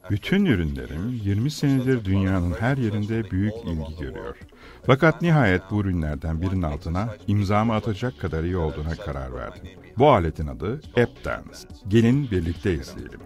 Bütün ürünlerim 20 senedir dünyanın her yerinde büyük ilgi görüyor. Fakat nihayet bu ürünlerden birinin altına imzamı atacak kadar iyi olduğuna karar verdim. Bu aletin adı AppDance. Gelin birlikte izleyelim.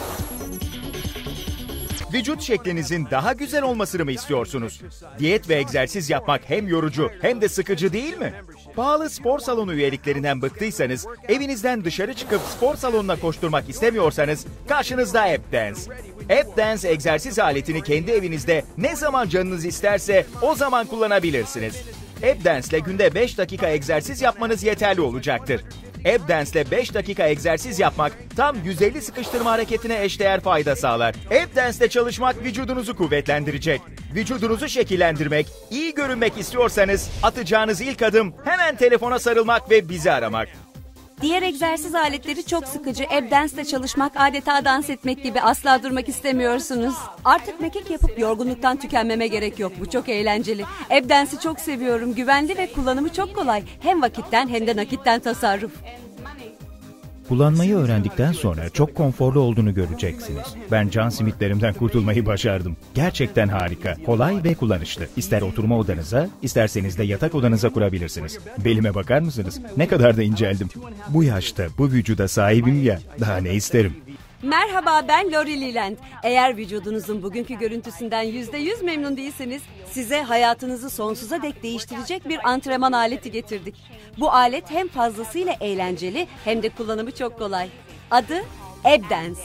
Vücut şeklinizin daha güzel olmasını mı istiyorsunuz? Diyet ve egzersiz yapmak hem yorucu hem de sıkıcı değil mi? Pahalı spor salonu üyeliklerinden bıktıysanız, evinizden dışarı çıkıp spor salonuna koşturmak istemiyorsanız karşınızda AppDance. AppDance egzersiz aletini kendi evinizde ne zaman canınız isterse o zaman kullanabilirsiniz. AppDance ile günde 5 dakika egzersiz yapmanız yeterli olacaktır. AppDance ile 5 dakika egzersiz yapmak tam 150 sıkıştırma hareketine eşdeğer fayda sağlar. AppDance ile çalışmak vücudunuzu kuvvetlendirecek. Vücudunuzu şekillendirmek, iyi görünmek istiyorsanız atacağınız ilk adım hemen telefona sarılmak ve bizi aramak. Diğer egzersiz aletleri çok sıkıcı. AppDance'le çalışmak adeta dans etmek gibi, asla durmak istemiyorsunuz. Artık mekik yapıp yorgunluktan tükenmeme gerek yok. Bu çok eğlenceli. AppDance'i çok seviyorum. Güvenli ve kullanımı çok kolay. Hem vakitten hem de nakitten tasarruf. Kullanmayı öğrendikten sonra çok konforlu olduğunu göreceksiniz. Ben can simitlerimden kurtulmayı başardım. Gerçekten harika, kolay ve kullanışlı. İster oturma odanıza, isterseniz de yatak odanıza kurabilirsiniz. Belime bakar mısınız? Ne kadar da inceldim. Bu yaşta, bu vücuda sahibim ya, daha ne isterim? Merhaba, ben Lori Leland. Eğer vücudunuzun bugünkü görüntüsünden %100 memnun değilseniz, size hayatınızı sonsuza dek değiştirecek bir antrenman aleti getirdik. Bu alet hem fazlasıyla eğlenceli hem de kullanımı çok kolay. Adı AppDance.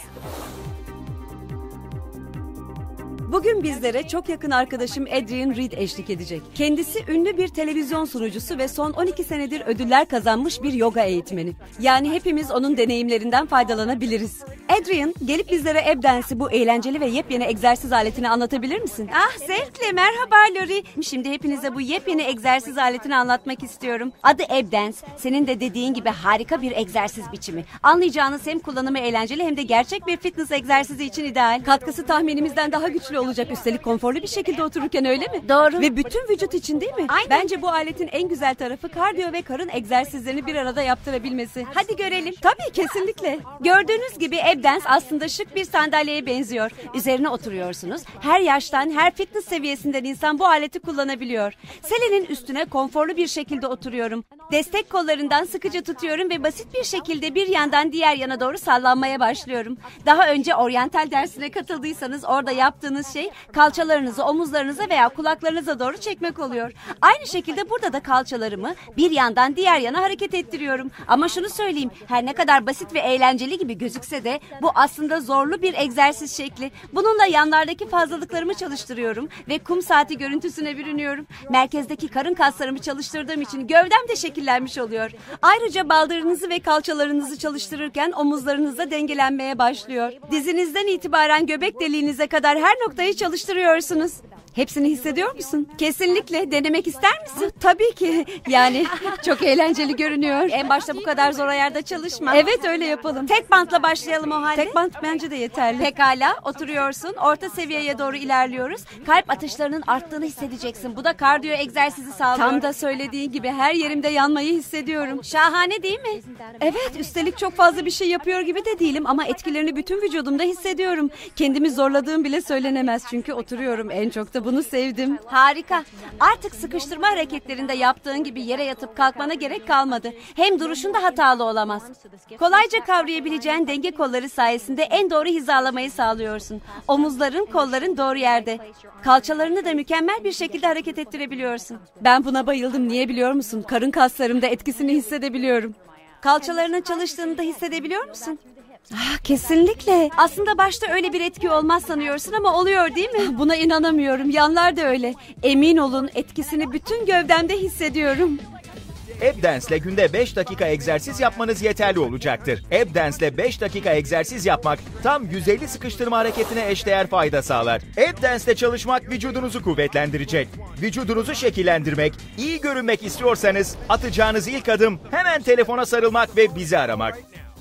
Bugün bizlere çok yakın arkadaşım Adrian Reed eşlik edecek. Kendisi ünlü bir televizyon sunucusu ve son 12 senedir ödüller kazanmış bir yoga eğitmeni. Yani hepimiz onun deneyimlerinden faydalanabiliriz. Adrian, gelip bizlere AppDance'i, bu eğlenceli ve yepyeni egzersiz aletini anlatabilir misin? Ah, zevkle. Merhaba Lori. Şimdi hepinize bu yepyeni egzersiz aletini anlatmak istiyorum. Adı AppDance. Senin de dediğin gibi harika bir egzersiz biçimi. Anlayacağınız hem kullanımı eğlenceli hem de gerçek bir fitness egzersizi için ideal. Katkısı tahminimizden daha güçlü olacak, üstelik konforlu bir şekilde otururken, öyle mi? Doğru. Ve bütün vücut için, değil mi? Aynen. Bence bu aletin en güzel tarafı kardiyo ve karın egzersizlerini bir arada yaptırabilmesi. Hadi görelim. Tabii, kesinlikle. Gördüğünüz gibi AppDance aslında şık bir sandalyeye benziyor. Üzerine oturuyorsunuz. Her yaştan, her fitness seviyesinden insan bu aleti kullanabiliyor. Selenin üstüne konforlu bir şekilde oturuyorum. Destek kollarından sıkıca tutuyorum ve basit bir şekilde bir yandan diğer yana doğru sallanmaya başlıyorum. Daha önce oryantal dersine katıldıysanız orada yaptığınız şey kalçalarınızı omuzlarınıza veya kulaklarınıza doğru çekmek oluyor. Aynı şekilde burada da kalçalarımı bir yandan diğer yana hareket ettiriyorum. Ama şunu söyleyeyim, her ne kadar basit ve eğlenceli gibi gözükse de bu aslında zorlu bir egzersiz şekli. Bununla yanlardaki fazlalıklarımı çalıştırıyorum ve kum saati görüntüsüne bürünüyorum. Merkezdeki karın kaslarımı çalıştırdığım için gövdem de şekillenmiş oluyor. Ayrıca baldırınızı ve kalçalarınızı çalıştırırken omuzlarınız da dengelenmeye başlıyor. Dizinizden itibaren göbek deliğinize kadar her noktayı çalıştırıyorsunuz. Hepsini hissediyor musun? Kesinlikle. Denemek ister misin? Tabii ki. Yani çok eğlenceli görünüyor. En başta bu kadar zor ayarda çalışma. Evet, öyle yapalım. Tek bantla başlayalım o halde. Tek bant bence de yeterli. Pekala, oturuyorsun. Orta seviyeye doğru ilerliyoruz. Kalp atışlarının arttığını hissedeceksin. Bu da kardiyo egzersizi sağlıyor. Tam da söylediğin gibi her yerimde yanmayı hissediyorum. Şahane değil mi? Evet, üstelik çok fazla bir şey yapıyor gibi de değilim ama etkilerini bütün vücudumda hissediyorum. Kendimi zorladığım bile söylenemez çünkü oturuyorum. En çok da bunu sevdim. Harika. Artık sıkıştırma hareketlerinde yaptığın gibi yere yatıp kalkmana gerek kalmadı. Hem duruşun da hatalı olamaz. Kolayca kavrayabileceğin denge kolları sayesinde en doğru hizalamayı sağlıyorsun. Omuzların, kolların doğru yerde. Kalçalarını da mükemmel bir şekilde hareket ettirebiliyorsun. Ben buna bayıldım. Niye biliyor musun? Karın kaslarımda etkisini hissedebiliyorum. Kalçalarının çalıştığını da hissedebiliyor musun? Ah, kesinlikle. Aslında başta öyle bir etki olmaz sanıyorsun ama oluyor değil mi? Buna inanamıyorum. Yanlar da öyle. Emin olun, etkisini bütün gövdemde hissediyorum. AppDance ile günde 5 dakika egzersiz yapmanız yeterli olacaktır. AppDance ile 5 dakika egzersiz yapmak tam 150 sıkıştırma hareketine eşdeğer fayda sağlar. AppDance ile çalışmak vücudunuzu kuvvetlendirecek. Vücudunuzu şekillendirmek, iyi görünmek istiyorsanız atacağınız ilk adım hemen telefona sarılmak ve bizi aramak.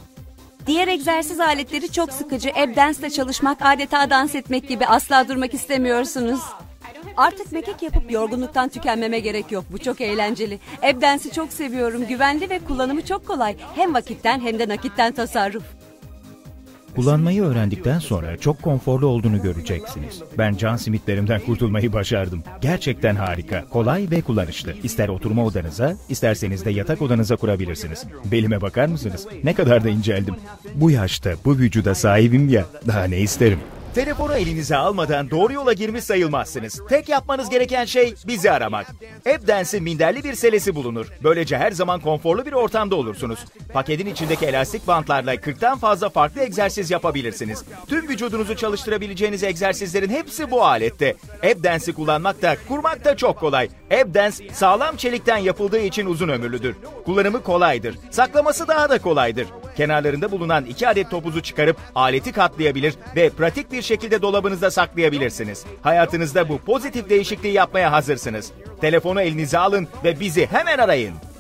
Diğer egzersiz aletleri çok sıkıcı. AppDance'le çalışmak adeta dans etmek gibi, asla durmak istemiyorsunuz. Artık mekik yapıp yorgunluktan tükenmeme gerek yok. Bu çok eğlenceli. AppDance'i çok seviyorum. Güvenli ve kullanımı çok kolay. Hem vakitten hem de nakitten tasarruf. Kullanmayı öğrendikten sonra çok konforlu olduğunu göreceksiniz. Ben can simitlerimden kurtulmayı başardım. Gerçekten harika, kolay ve kullanışlı. İster oturma odanıza, isterseniz de yatak odanıza kurabilirsiniz. Belime bakar mısınız? Ne kadar da inceldim. Bu yaşta, bu vücuda sahibim ya, daha ne isterim? Telefonu elinize almadan doğru yola girmiş sayılmazsınız. Tek yapmanız gereken şey bizi aramak. AppDance'in minderli bir selesi bulunur. Böylece her zaman konforlu bir ortamda olursunuz. Paketin içindeki elastik bantlarla 40'tan fazla farklı egzersiz yapabilirsiniz. Tüm vücudunuzu çalıştırabileceğiniz egzersizlerin hepsi bu alette. AppDance'i kullanmak da kurmak da çok kolay. AppDance sağlam çelikten yapıldığı için uzun ömürlüdür. Kullanımı kolaydır. Saklaması daha da kolaydır. Kenarlarında bulunan 2 adet topuzu çıkarıp aleti katlayabilir ve pratik bir şekilde dolabınızda saklayabilirsiniz. Hayatınızda bu pozitif değişikliği yapmaya hazırsınız. Telefonu elinize alın ve bizi hemen arayın.